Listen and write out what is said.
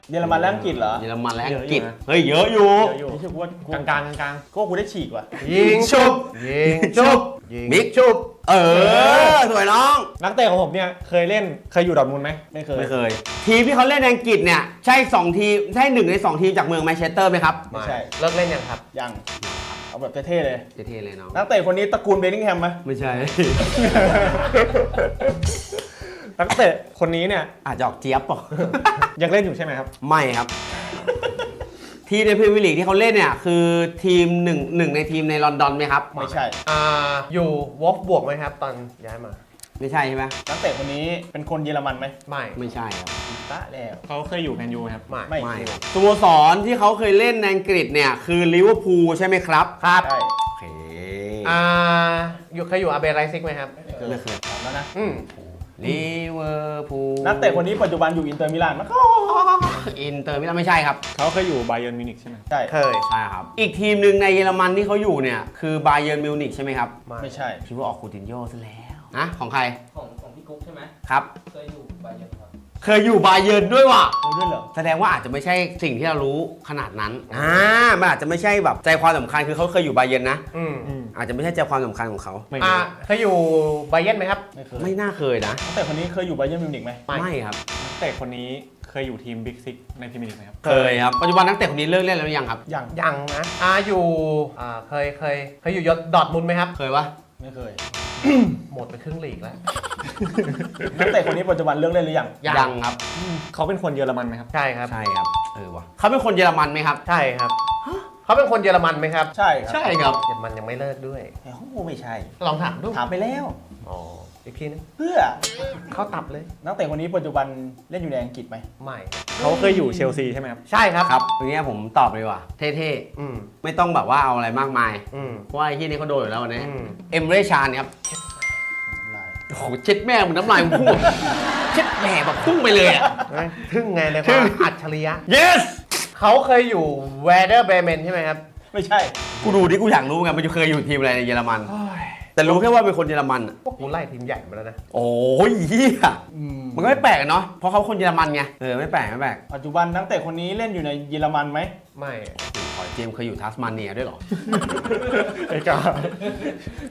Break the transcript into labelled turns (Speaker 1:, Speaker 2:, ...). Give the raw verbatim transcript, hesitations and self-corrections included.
Speaker 1: เยอรมันและอังกฤษเหรอ
Speaker 2: เยอรมันและอังกฤษ
Speaker 3: เยอะอยู่นะ
Speaker 2: เฮ้ยเยอะอยู่
Speaker 1: เยอะอยู่ที่ว่าก
Speaker 3: ลางกลางกลาง
Speaker 1: ก็กูได้ฉีกว่ะ
Speaker 4: ยิงชุบยิงชุบยิง
Speaker 2: มิก
Speaker 4: ชุบ
Speaker 2: เออสวยน้อง
Speaker 3: นักเตะของผมเนี่ยเคยเล่นเคยอยู่ดอร์ทมุนด์ไหม
Speaker 1: ไม่เคย
Speaker 2: ไม่เคย ทีมที่เขาเล่นในอังกฤษเนี่ยใช่สองทีมใช่หนึ่งในสองทีมจากเมืองแมนเชสเตอร์ไหมครับ
Speaker 1: ไม่ใช่
Speaker 4: เลิกเล่นยังครับ
Speaker 1: ยังเอาแบบเท่ๆเลย
Speaker 2: เท่ๆเลยน้อง
Speaker 1: นักเตะคนนี้ตระกูลเบนนิงแฮมไหม
Speaker 2: ไม่ใช่
Speaker 3: นักเตะคนนี้เนี่ย
Speaker 2: อาจจะออกเจี๊ยบป่ะ
Speaker 3: ยังเล่นอยู่ใช่ไหมครับ
Speaker 2: ไม่ครับ ทีมในพรีเมียร์ลีกที่เขาเล่นเนี่ยคือทีมหนึ่งหนึ่งในทีมในลอนดอนไหมครับ
Speaker 1: ไม่ใช่
Speaker 4: อ่าอยู่วอฟบวกไหมครับตอนย้ายมา
Speaker 2: ไม่ใช่ใช่ไหม
Speaker 1: นักเตะคนนี้เป็นคนเยอรมันไหม
Speaker 4: ไม่
Speaker 2: ไม่ใใช่ครับ
Speaker 1: ตะแล้ว
Speaker 3: เขาเคยอยู่แมนยูไหมครับ
Speaker 4: ไม่
Speaker 1: ไม่
Speaker 2: ไม่
Speaker 1: เคย
Speaker 2: ครับสโมสรที่เขาเคยเล่นในอังกฤษเนี่ยคือลิเวอร์พูลใช่ไหมครับ
Speaker 4: ครับ
Speaker 1: ใช่
Speaker 2: โอเค
Speaker 4: อ่าอยู่เคยอยู่อาเบไรซิกไหมครับ
Speaker 2: ไม่เคย
Speaker 1: ถามแล้วนะ
Speaker 4: อืม
Speaker 2: ลิเวอร์พูล
Speaker 1: นักเตะคนนี้ปัจจุบันอยู่อินเตอร์มิลานมั้ย
Speaker 2: อินเตอร์มิลานไม่ใช่ครับ
Speaker 3: เขาเคยอยู่ไบเยิร์นมิวนิกใช่ไหม
Speaker 1: ใช่
Speaker 4: เคย
Speaker 2: ใช่ครับ อีกทีมหนึ่งในเยอรมันที่เขาอยู่เนี่ยคือบาเยิร์นมิวนิกใช่ไหมครับ
Speaker 1: ไม่ใช่
Speaker 2: คิดว่าออกคูตินโญ่ซะแล้วนะของใคร
Speaker 5: ของของพี่กุ๊กใช่ไหม
Speaker 2: ครับ
Speaker 5: เคยอยู่บาเยิร์นครับ
Speaker 2: เคยอยู่บาเยิร์นด้วยว่ะ
Speaker 1: รู้ด้วยเหรอ
Speaker 2: แสดงว่าอาจจะไม่ใช่สิ่งที่เรารู้ขนาดนั้นอ่ามันอาจจะไม่ใช่แบบใจความสำคัญคือเขาเคยอยู่บาเยิร์นนะ
Speaker 4: อืม
Speaker 3: อืม
Speaker 2: อาจจะไม่ใช่ใจความสำคัญของเขา
Speaker 3: ไม่
Speaker 4: อ่า
Speaker 3: รู้
Speaker 4: เคยอยู่ไบเยร์นไหมครับ
Speaker 1: ไม่เคย
Speaker 2: ไม่น่าเคยนะ
Speaker 1: นักเตะคนนี้เคยอยู่ไบเยิร์นมิวนิกไหม
Speaker 4: ไม่
Speaker 2: ไม่ครับ
Speaker 3: นักเตะคนนี้เคยอยู่ทีมบิ๊กซิกในพรีเมียร์ลีกไหมครับ
Speaker 2: เคยครับปัจจุบันนักเตะคนนี้เลิกเล่นแล้วหรือยังครับ
Speaker 1: ยัง
Speaker 4: ยังนะอ่าอยู่อ่าเคยเคยเคยอยู่ยศดอร์ทมุนด์ไหมครับ
Speaker 2: เคยวะ
Speaker 1: ไม่เคย
Speaker 4: หมดไปครึ่งลีกแล้ว
Speaker 1: นักเตะคนนี้ปัจจุบันเลิกเล่นหรือยัง
Speaker 2: ยังครับ
Speaker 3: เขาเป็นคนเยอรมันไหมครับ
Speaker 4: ใช่ครับ
Speaker 2: ใช่ครับเออวะเขาเป็นคนเยอรมันไหมครับ
Speaker 4: ใช่ครับเขาเป็นคนเยอรมันไหมครับ
Speaker 1: ใช่ครับ
Speaker 2: ใช่ครับ
Speaker 4: เยอรมันยังไม่เลิกด้วย
Speaker 1: แต่เขาไม่ใช่
Speaker 4: ลองถามดู
Speaker 1: ถามไปแล้ว
Speaker 4: อ๋ออีกทีนึง
Speaker 1: เพื่อ
Speaker 4: เข้าตับเลย
Speaker 1: นักเตะคนนี้ปัจจุบันเล่นอยู่ในอังกฤษไหม
Speaker 4: ไม่
Speaker 3: เขาเคยอยู่เชลซีใช่ไหมครับ
Speaker 4: ใช่ครับ
Speaker 2: ครับทีนี้ผมตอบเลยว่ะเท่
Speaker 4: อืม
Speaker 2: ๆไม่ต้องแบบว่าเอาอะไรมากมาย
Speaker 4: อืม
Speaker 2: เพราะว่าไอ้ที่นี้เขาโดนอยู่แล้ววันนี้
Speaker 4: อืม
Speaker 2: เอ็มเรชานครับ
Speaker 1: ลาย
Speaker 2: โอ้โหเช็ดแม่มึงน้ำลายมึงพุ่งเช็ดแม่แบบพุ่งไปเลยอ่ะ
Speaker 4: เฮ้ยทึ่งไงเลยค
Speaker 2: ทึ่
Speaker 4: วาม
Speaker 2: ง
Speaker 4: อัจฉริยะ
Speaker 2: yes
Speaker 4: เขาเคยอยู่แวเดอร์เบรเมนใช่ไหมครับ
Speaker 1: ไม่ใช่
Speaker 2: กูดูดิกูอยากรู้ไงมันจะเคยอยู่ทีมอะไรในเยอรมัน แต่รู้แค่ว่าเป็นคนเยอรมันอะ
Speaker 4: พวกกูไล่ทีมใหญ่มาแล้วนะ
Speaker 2: โอ้ยเฮียมันก็ไม่แปลกอะเนาะเพราะเขาคนเยอรมันไงเออไม่แปลกไม่แปลก
Speaker 1: ปัจจุบันนักเตะคนนี้เล่นอยู่ในเยอรมันไหม
Speaker 4: ไม่
Speaker 2: ขอเจมส์เคยอยู่ทัสมาเนียด้วยเหรอ
Speaker 3: ไอ้กา